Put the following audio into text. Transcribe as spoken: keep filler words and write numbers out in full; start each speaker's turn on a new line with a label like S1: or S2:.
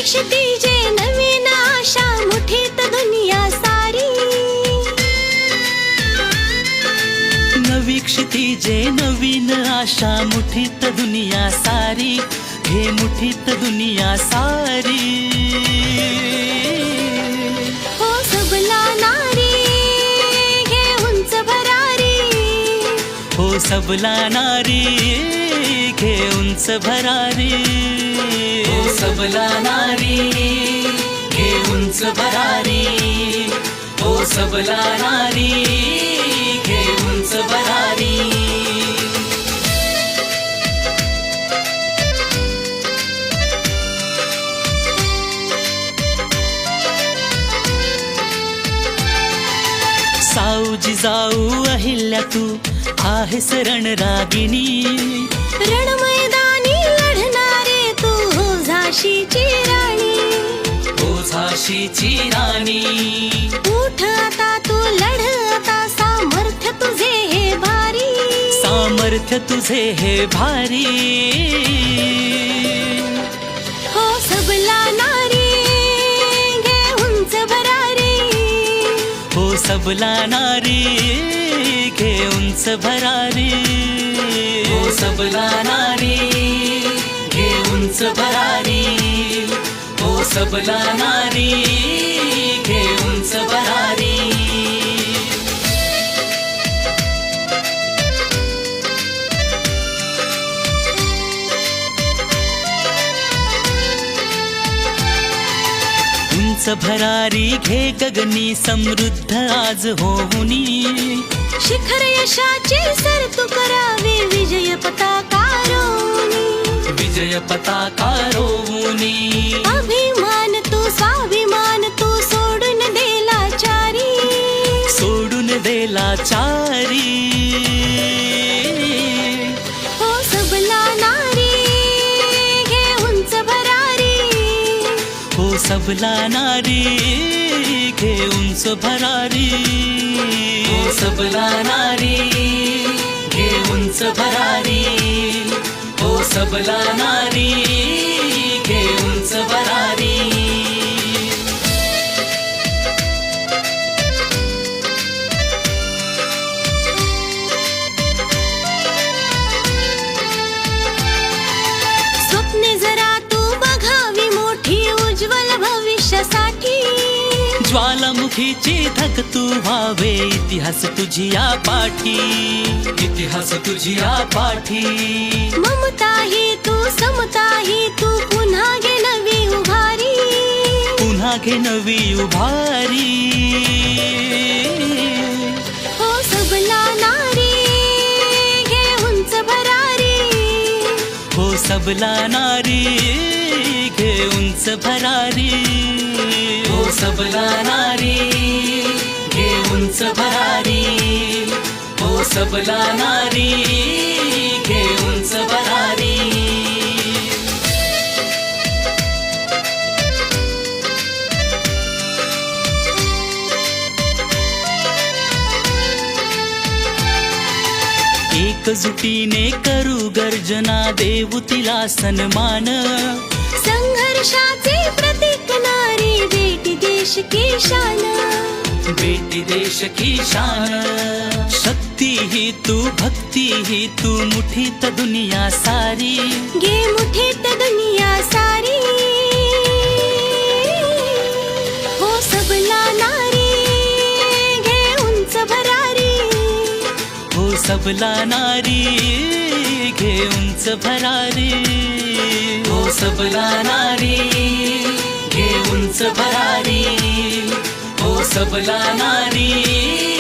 S1: क्षितिजे नवीन आशा मुठीत दुनिया सारी
S2: नवी क्षितिजे नवीन आशा मुठीत दुनिया सारी घे मुठीत दुनिया सारी
S1: हो सबला नारी घे उंच भरारी
S2: हो सबला नारी घे उंच भरारी हो सबला नारी घे उंच भरारी हो सबला नारी घे उंच भरारी साऊ जिजाऊ अहिल्या तू आहेस रणरागिणी
S1: रण मैदानी लढणारे तू हो झाशीची राणी
S2: हो झाशीची राणी
S1: उठ आता तू लढ आता सामर्थ्य तुझे हे भारी
S2: सामर्थ्य तुझे हे भारी
S1: हो सबला नारी घे उंच भरारी
S2: हो सबला नारी घे उंच भरारी हो सबला नारी घे उंच भरारी हो सबला नारी घे उंच भरारी उंच भरारी घे गगनी समृद्ध आज होऊनी
S1: शिखर यशाचे सर तू करावे विजय पताकारोनी
S2: विजय पताकारोनी
S1: अभिमान तू स्वाभिमान तू सोडून देला चारी
S2: सोडून देला चारी
S1: हो सबला नारी घे उंच भरारी
S2: हो सबला नारी घे उंच भरारी हो सबला नारी घे उंच भरारी हो सबला नारी घे उंच भरारी
S1: स्वप्ने जरा तू बघावी मोठी उज्ज्वल भविष्यासाठी
S2: ज्वालामुखीची धक तू व्हावे इतिहास तुझी या पाठी इतिहास तुझी या पाठी
S1: ममता ही तू समता ही तू पुन्हा घे नवी उभारी
S2: पुन्हा घे नवी उभारी
S1: हो सबला नारी घे उंच भरारी
S2: हो सबला नारी घे उंच भरारी हो सबला नारी घे उंच भरारी हो सबला नारी घे उंच भरारी एकजुटीने करू गर्जना देऊ तिला सन्मान
S1: संघर्षाचे प्रतीक नारी बेटी देश की शान
S2: बेटी देश की शान शक्ती ही तू भक्ती ही तू मुठीत दुनिया सारी
S1: घे मुठीत दुनिया सारी हो सबला नारी घे उंच भरारी
S2: हो सबला नारी घे उंच भरारी हो सबला नारी घे उंच भरारी हो सबला नारी